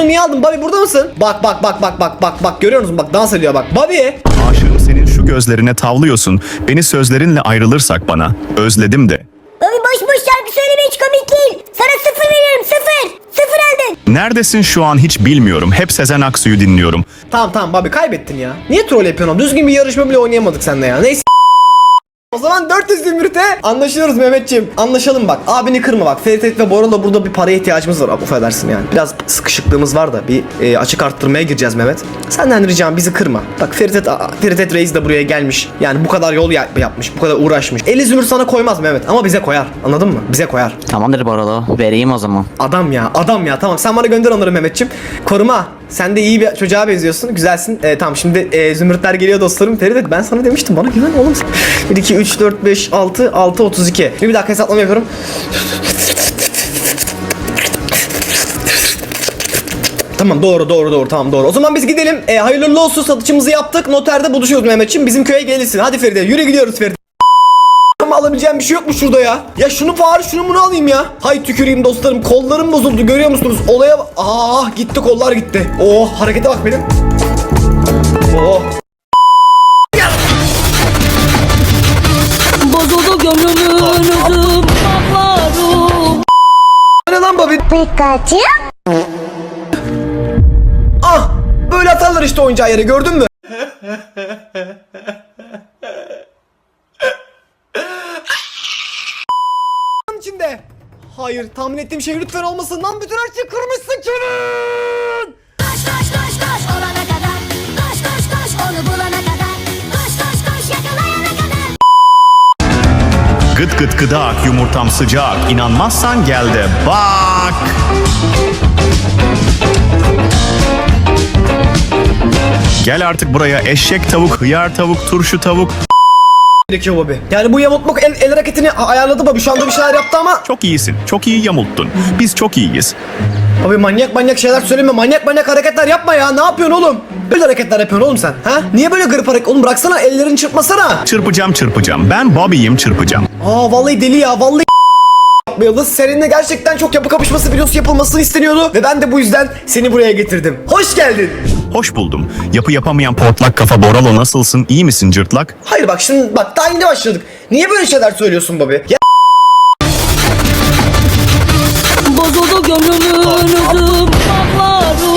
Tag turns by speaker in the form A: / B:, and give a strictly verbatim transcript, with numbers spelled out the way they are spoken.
A: Bunu niye aldın? Bobby burada mısın? Bak bak bak bak bak bak bak görüyor musun? Bak dans ediyor bak. Bobby.
B: Aşığım senin şu gözlerine tavlıyorsun. Beni sözlerinle ayrılırsak bana. Özledim de.
C: Bobby boş boş şarkı söyleme, hiç komik değil. Sana sıfır veriyorum, sıfır. Sıfır aldın.
B: Neredesin şu an hiç bilmiyorum. Hep Sezen Aksu'yu dinliyorum.
A: Tamam tamam Bobby kaybettin ya. Niye troll yapıyorsun? Düzgün bir yarışma bile oynayamadık seninle ya. Neyse. O zaman dört yüz zümrüte anlaşıyoruz Mehmetciğim. Anlaşalım bak. Abini kırma bak. Ferit ve Boral'la burada bir paraya ihtiyacımız var. Affedersin yani. Biraz sıkışıklığımız var da bir e, açık arttırmaya gireceğiz Mehmet. Senden ricam bizi kırma. Bak Ferit Ferit Reis de buraya gelmiş. Yani bu kadar yol ya- yapmış. Bu kadar uğraşmış. elli zümrüt sana koymaz Mehmet ama bize koyar. Anladın mı? Bize koyar.
D: Tamamdır Boralo. Vereyim o zaman.
A: Adam ya, adam ya. Tamam sen bana gönder onları Mehmetciğim. Koruma. Sen de iyi bir çocuğa benziyorsun. Güzelsin. Ee, tamam şimdi e, zümrütler geliyor dostlarım. Feride ben sana demiştim. Bana güven oğlum. bir, iki, üç, dört, beş, altı, altı, otuz iki. Bir, bir dakika hesaplama yapıyorum. Tamam doğru doğru doğru tamam doğru. O zaman biz gidelim. E, hayırlı olsun satışımızı yaptık. Noterde buluşuyoruz Mehmetciğim. Bizim köye gelirsin. Hadi Feride yürü gidiyoruz Feride. Ama alabileceğim bir şey yok mu şurada ya? Ya şunu bari şunu bunu alayım ya. Hay tüküreyim dostlarım. Kollarım bozuldu görüyor musunuz? Olaya bak. Ah gitti kollar gitti. Oh harekete bak benim. Oh.
E: Bozuldu gönlümün özüm bağlarım.
A: Ne lan Bobby?
C: Pikachu.
A: Ah böyle atarlar işte oyuncağı yere gördün mü? içinde. Hayır tahmin ettiğim şey lütfen olmasın lan bütün her şeyi kırmışsın Kenan.
F: Koş koş koş koş olana kadar. Koş koş koş onu bulana kadar. Koş koş koş yakalayana kadar.
B: Gıt gıt gıdak yumurtam sıcak. İnanmazsan gel de bak. Gel artık buraya eşek tavuk, hıyar tavuk, turşu tavuk.
A: Gerekiyor Bobby. Yani bu yamultmak el, el hareketini ayarladı Bobby. Şu anda bir şeyler yaptı ama.
B: Çok iyisin. Çok iyi yamulttun. Biz çok iyiyiz.
A: Abi manyak manyak şeyler söyleme. Manyak manyak hareketler yapma ya. Ne yapıyorsun oğlum? Böyle hareketler yapıyorsun oğlum sen. Ha? Niye böyle garip hareket? Oğlum bıraksana ellerini çırpmasana.
B: Çırpacağım çırpacağım. Ben Bobby'yim çırpacağım.
A: Aa vallahi deli ya. Vallahi Yıldız seninle gerçekten çok yapı kapışması videosu yapılmasını isteniyordu ve ben de bu yüzden seni buraya getirdim. Hoş geldin.
B: Hoş buldum. Yapı yapamayan portlak kafa Boralo nasılsın? İyi misin cırtlak?
A: Hayır bak şimdi bak daha yeni başladık. Niye böyle şeyler söylüyorsun Bobby? Ya
E: Bozuldu gönlümün özüm bağlarım.